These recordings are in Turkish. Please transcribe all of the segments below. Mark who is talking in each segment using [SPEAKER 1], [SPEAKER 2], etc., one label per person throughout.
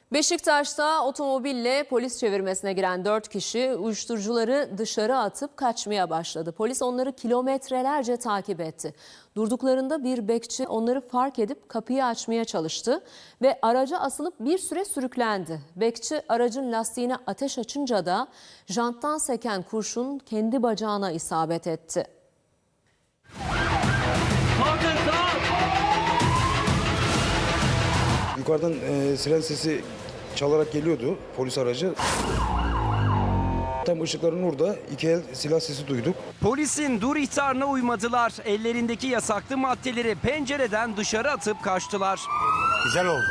[SPEAKER 1] Beşiktaş'ta otomobille polis çevirmesine giren 4 kişi uyuşturucuları dışarı atıp kaçmaya başladı. Polis onları kilometrelerce takip etti. Durduklarında bir bekçi onları fark edip kapıyı açmaya çalıştı ve araca asılıp bir süre sürüklendi. Bekçi aracın lastiğine ateş açınca da janttan seken kurşun kendi bacağına isabet etti.
[SPEAKER 2] Yukarıdan siren sesi çalarak geliyordu polis aracı. Tam ışıkların orada iki el silah sesi duyduk.
[SPEAKER 3] Polisin dur ihtarına uymadılar. Ellerindeki yasaklı maddeleri pencereden dışarı atıp kaçtılar.
[SPEAKER 4] Güzel oldu.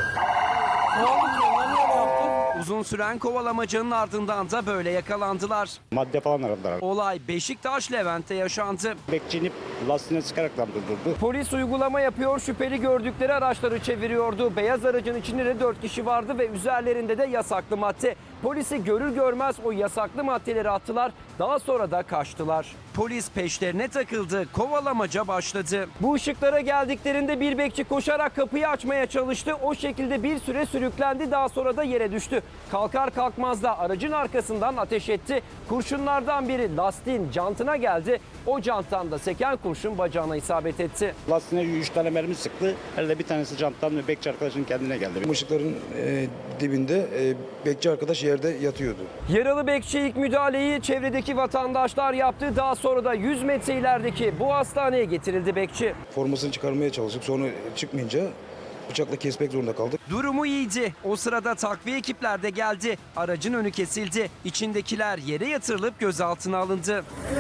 [SPEAKER 3] Uzun süren kovalamacanın ardından da böyle yakalandılar.
[SPEAKER 4] Madde falan aradılar.
[SPEAKER 3] Olay Beşiktaş Levent'te yaşandı.
[SPEAKER 4] Bekçi inip lastiğine sıkarak durdurdu.
[SPEAKER 3] Polis uygulama yapıyor, şüpheli gördükleri araçları çeviriyordu. Beyaz aracın içinde de 4 kişi vardı ve üzerlerinde de yasaklı madde. Polisi görür görmez o yasaklı maddeleri attılar, daha sonra da kaçtılar. Polis peşlerine takıldı, kovalamaca başladı. Bu ışıklara geldiklerinde bir bekçi koşarak kapıyı açmaya çalıştı. O şekilde bir süre sürüklendi, daha sonra da yere düştü. Kalkar kalkmaz da aracın arkasından ateş etti. Kurşunlardan biri lastiğin jantına geldi. O janttan da seken kurşun bacağına isabet etti.
[SPEAKER 4] Lastiğine 3 tane mermi sıktı. Herhalde bir tanesi janttan ve bekçi arkadaşın kendine geldi.
[SPEAKER 2] Işıkların dibinde bekçi arkadaş yerde yatıyordu.
[SPEAKER 3] Yaralı bekçi ilk müdahaleyi çevredeki vatandaşlar yaptı. Daha sonra da 100 metre ilerideki bu hastaneye getirildi bekçi.
[SPEAKER 2] Formasını çıkarmaya çalıştık. Sonra çıkmayınca bıçakla kesmek zorunda kaldık.
[SPEAKER 3] Durumu iyiydi. O sırada takviye ekipler de geldi. Aracın önü kesildi. İçindekiler yere yatırılıp gözaltına alındı.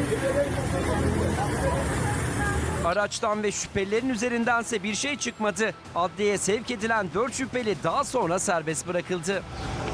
[SPEAKER 3] Araçtan ve şüphelilerin üzerindense bir şey çıkmadı. Adliyeye sevk edilen 4 şüpheli daha sonra serbest bırakıldı.